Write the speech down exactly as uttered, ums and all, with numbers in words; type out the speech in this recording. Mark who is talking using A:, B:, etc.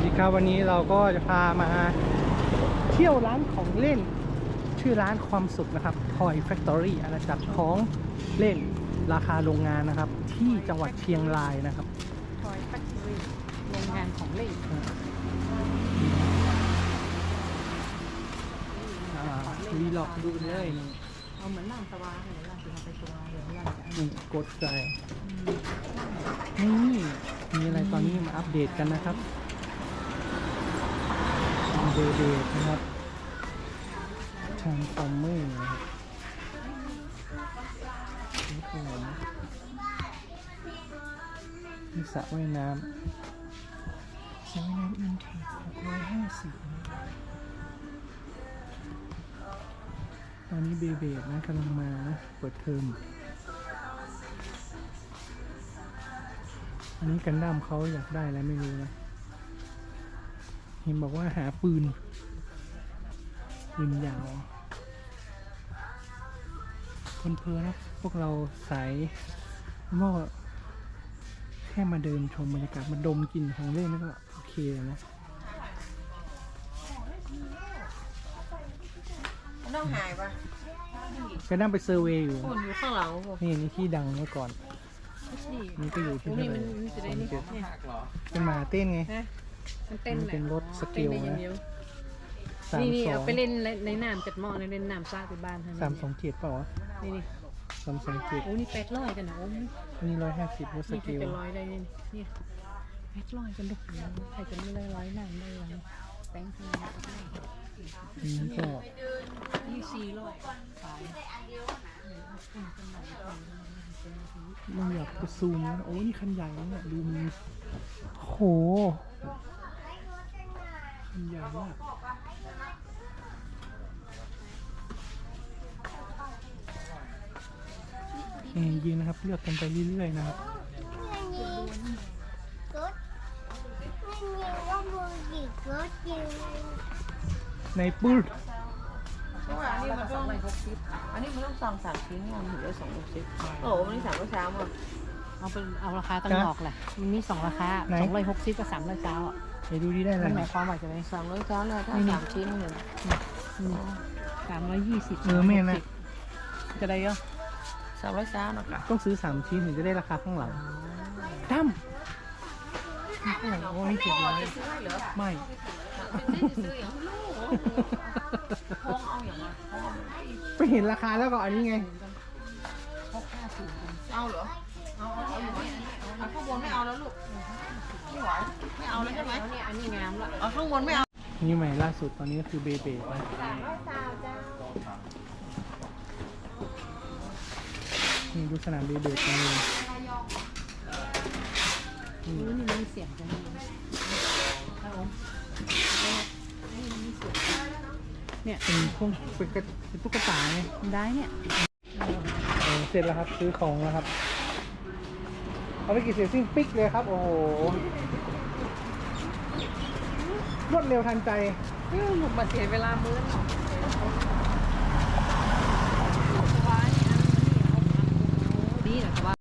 A: ดีครับวันนี้เราก็จะพามาเที่ยวร้านของเล่นชื่อร้านความสุขนะครับ Toy Factory อาณาจักรของเล่นราคาโรงงานนะครับที่จังหวัดเชียงรายนะครับ
B: Toy Factory โรงงานของเล่น
A: วีล็อกดูเลยนี่
B: เอาเหมือนน้ำสวาเหมือนเราจะเอาไปสวาเดี๋ยวเราจะ
A: นี่กดใจนี่มีอะไรตอนนี้มาอัปเดตกันนะครับเดเดตนะครับทางคอมเมอร์นะครับนี่คืออะไรนะมีสระว่ายน้ำสระว่ายน้ำอินเทคหกร้อยห้าสิบตอนนี้เบเบดนะกำลังมานะเปิดเทอมอันนี้กันดั้มเขาอยากได้อะไรไม่รู้นะเห็นบอกว่าหาปืนปืนยาวคนเพลินนะพวกเราสายว่าแค่มาเดินชมบรรยากาศมาดมกลิ่นของเล่นนี่ก็โอเคแล้วนะ
B: ต้องหายปะ
A: กันดั้มไปเซอร์เวย์อยู่
B: คนอยู่ข้างหลังผม
A: นี่นี่ที่ดังเมื่อก่อน
B: นี่
A: นี่ก็อยู่ที่
B: นี่
A: เท่าไห
B: มัน
A: ร่
B: มันจะได้นี่
A: สอง
B: เนี่ย
A: เจ็ดเป็นหมาเต้นไง
B: นะมันเต้น
A: มันเป็นรถสเกลนะ สาม
B: นี่นี่
A: สอ
B: เอา
A: ง
B: ไปเล่นในน้ำจัดหม้อในเล่นน้ำซาที่บ้านท่าน
A: สามสองเจ็ดเปล่าวะ
B: นี่นี่
A: สามสองเจ็ด
B: โอ้นี่แปดร้อยกันนะโอ้นี่
A: อันนี้ร้อยห้าสิบรถส
B: นี่
A: เก
B: แค่
A: ล
B: เป็นร้อยได้นี่นี่แปดร้อยกันดุใครจะไม่ได้ร้อยน้ำได้เลยแป้งทำไม
A: อันนี้ก็
B: ยี่สี่ร้อยขาย
A: ไม่อยากจะซูมนะโอ้นี่คันใหญ่นะเนี่ยดูมันโหคันใหญ่มากเองยืนนะครับเลือกกันไปเรื่อยๆนะครับในปื้ด
B: เพราะว่าอันนี้มันต้องอันนี้มันต้องสั่งสามชิ้นงานถึงได้สองร้อยสิบโอ้วันนี้สั่งเมื่อเช้าอ่ะเอาเป็นเอาราคาตั้งหอกแหละมันมีสองราคาสองร้อยหกสิบกับสามร้อยเก้าอ่ะ
A: ไปดูดีได้เล
B: มั
A: ย
B: นหมายความว่าจะเป็นสามร้อยเก้าเลยถ้าสามชิ้นหนึ่งสามร้อยยี่สิบ
A: เออแม่นะ
B: จะได้เยอะสามร้อยเก้านะคะ
A: ต้องซื้อสามชิ้นถึงจะได้ราคาข้างหลังตั้มโอ้ยเจ็ดร้อยไม่
B: ซื้ออย่างลูกพงเอาอย่างไร
A: ไปเห็นราคาแล้วก็อันนี้ไง
B: เอาเหรอเอาเอาเอาอยู่ไหมเอาข้างบนไม่เอาแล้วลูกไม่ไหวไม่เอาแล้วใช่ไหมเนี่ยอันนี้งามละเอาข้างบนไม่เอา
A: นี่ใหม่ล่าสุดตอนนี้ก็คือเบเบนะนี่ดูสนามเบเบกันเลย
B: นี่นี่มีเสียงจังเลยครับผมนี่มีเสียงเนี่ย
A: เป็นพวกเป็นกระเป็นตุ๊กตาไง
B: ได้เนี่ย
A: เออเสร็จแล้วครับซื้อของแล้วครับเอาไปกี่เสียซิ่งปิ๊กเลยครับ โอ้โหรวดเร็วทันใจ
B: หนุกมาเสียเวลามื้อหนอดีนะแต่ว่า